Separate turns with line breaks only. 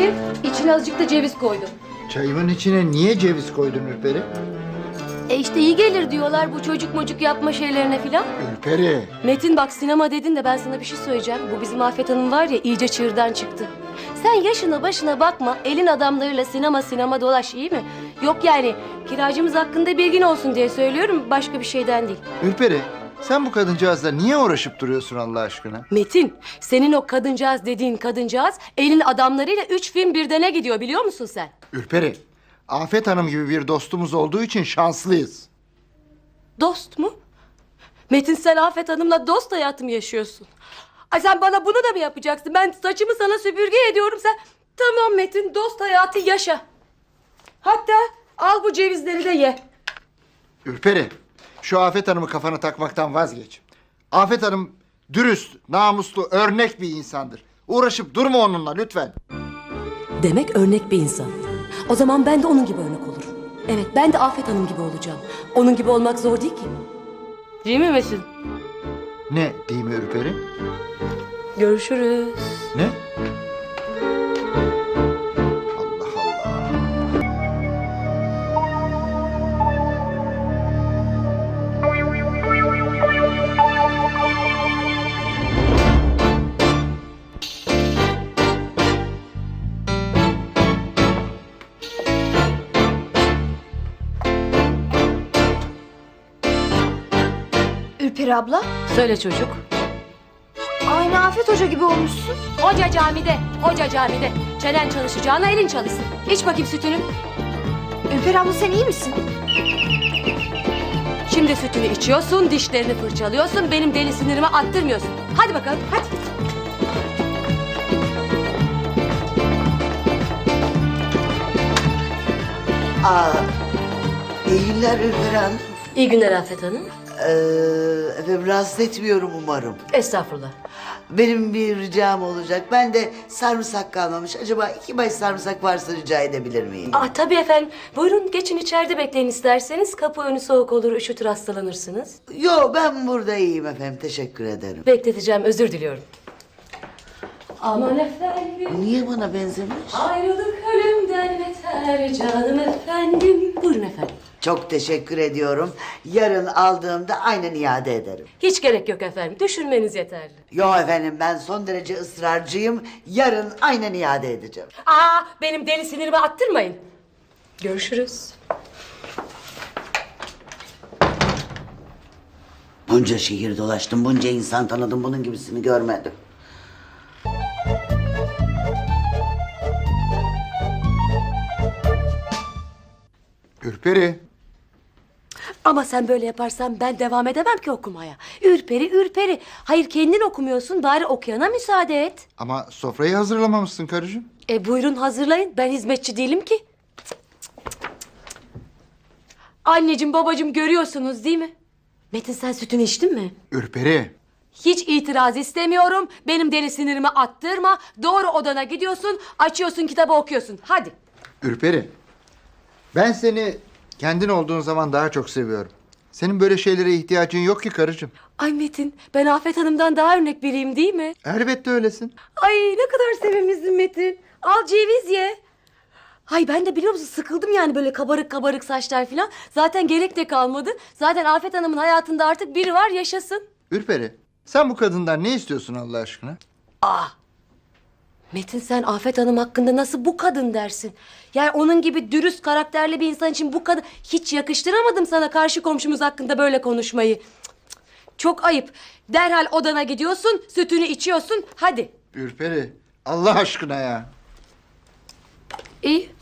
Çayım, içine azıcık da ceviz koydum.
Çayımın içine niye ceviz koydun Ürperi?
İşte iyi gelir diyorlar bu çocuk mocuk yapma şeylerine filan.
Ürperi.
Metin bak sinema dedin de ben sana bir şey söyleyeceğim. Bu bizim Afet Hanım var ya iyice çığırdan çıktı. Sen yaşına başına bakma, elin adamlarıyla sinema dolaş, iyi mi? Yok yani kiracımız hakkında bilgin olsun diye söylüyorum, başka bir şeyden değil.
Ürperi, sen bu kadıncağızla niye uğraşıp duruyorsun Allah aşkına?
Metin, senin o kadıncağız dediğin kadıncağız elin adamlarıyla 3 film birdene gidiyor, biliyor musun sen?
Ürperi, Afet Hanım gibi bir dostumuz olduğu için şanslıyız.
Dost mu? Metin, sen Afet Hanım'la dost hayatı mı yaşıyorsun? Ay sen bana bunu da mı yapacaksın? Ben saçımı sana süpürge ediyorum, sen... Tamam Metin, dost hayatı yaşa. Hatta al bu cevizleri de ye.
Ürperi, şu Afet Hanım'ı kafana takmaktan vazgeç. Afet Hanım dürüst, namuslu, örnek bir insandır. Uğraşıp durma onunla lütfen.
Demek örnek bir insan. O zaman ben de onun gibi örnek olurum. Evet, ben de Afet Hanım gibi olacağım. Onun gibi olmak zor değil ki. Değil mi Metin?
Ne değil mi Ürperi?
Görüşürüz.
Ne? Allah Allah.
Ürperi abla,
Söyle çocuk.
aynı Afet Hoca gibi olmuşsun.
Hoca camide. Çenen çalışacağına elin çalışsın. İç bakayım sütünü.
Ürperi abla sen iyi misin?
Şimdi sütünü içiyorsun, dişlerini fırçalıyorsun, benim deli sinirimi attırmıyorsun. Hadi bakalım, hadi.
İyi günler Ürperi Hanım.
İyi günler Afet Hanım.
Efendim rahatsız etmiyorum umarım.
Estağfurullah.
Benim bir ricam olacak. Ben de sarımsak kalmamış. Acaba 2 baş sarımsak varsa rica edebilir miyim?
Tabii efendim. Buyurun geçin içeride bekleyin isterseniz. Kapı önü soğuk olur, üşütür hastalanırsınız.
Yo ben burada iyiyim efendim. Teşekkür ederim.
Bekleteceğim, özür diliyorum. Aman efendim,
Niye bana benzemiş?
ayrılık ölümden beter canım efendim. Buyurun efendim.
Çok teşekkür ediyorum. Yarın aldığımda aynen iade ederim.
Hiç gerek yok efendim, düşünmeniz yeterli.
Yo efendim ben son derece ısrarcıyım. Yarın aynen iade edeceğim.
Benim deli sinirimi attırmayın. Görüşürüz.
Bunca şehir dolaştım, bunca insan tanıdım. Bunun gibisini görmedim.
Ürperi,
Ama sen böyle yaparsan ben devam edemem ki okumaya. Ürperi. Hayır kendin okumuyorsun, bari okuyana müsaade et.
ama sofrayı hazırlamamışsın karıcığım.
Buyurun hazırlayın, ben hizmetçi değilim ki. Anneciğim babacığım görüyorsunuz değil mi? Metin sen sütünü içtin mi?
Ürperi,
Hiç itiraz istemiyorum. Benim deli sinirimi attırma. Doğru odana gidiyorsun, açıyorsun kitabı okuyorsun. Hadi.
Ürperi. Ben seni kendin olduğun zaman daha çok seviyorum. Senin böyle şeylere ihtiyacın yok ki karıcığım.
Ay Metin, ben Afet Hanım'dan daha örnek biriyim değil mi?
Elbette öylesin.
Ay ne kadar sevimlisin Metin. Al ceviz ye. Ay ben de biliyor musun sıkıldım yani böyle kabarık saçlar falan. Zaten gerek de kalmadı. Zaten Afet Hanım'ın hayatında artık biri var, yaşasın.
Ürperi, sen bu kadından ne istiyorsun Allah aşkına?
Metin sen Afet Hanım hakkında nasıl bu kadın dersin? Yani onun gibi dürüst karakterli bir insan için bu kadın... Hiç yakıştıramadım sana karşı komşumuz hakkında böyle konuşmayı. Cık, cık. Çok ayıp. Derhal odana gidiyorsun, sütünü içiyorsun. Hadi.
Ürperi, Allah aşkına ya.
İyi.